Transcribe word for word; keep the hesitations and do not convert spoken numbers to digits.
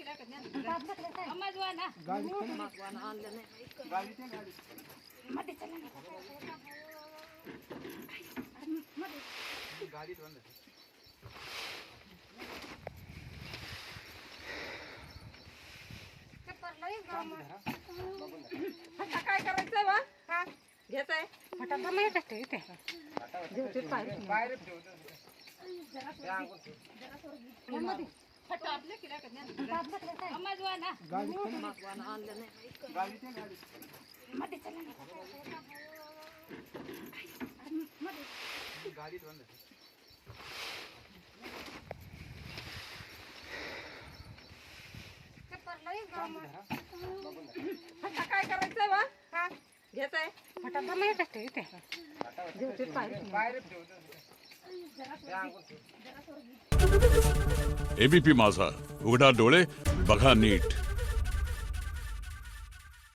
काय करायचंय बा हा घ्यायचंय फटाफट नाही कष्ट इथे जेवते पाय बाहेर फटाफट किला करण्या अम्मा ना गाडी आणलं नाही गाडी ते गाडी मध्ये चला ना गाडीत बंद काय करायचंय बा हा घ्यायचंय फटाफट नाही कष्ट इथे जेवते पाय बाहेर एबीपी माझा, उघडा डोळे बघा नीट.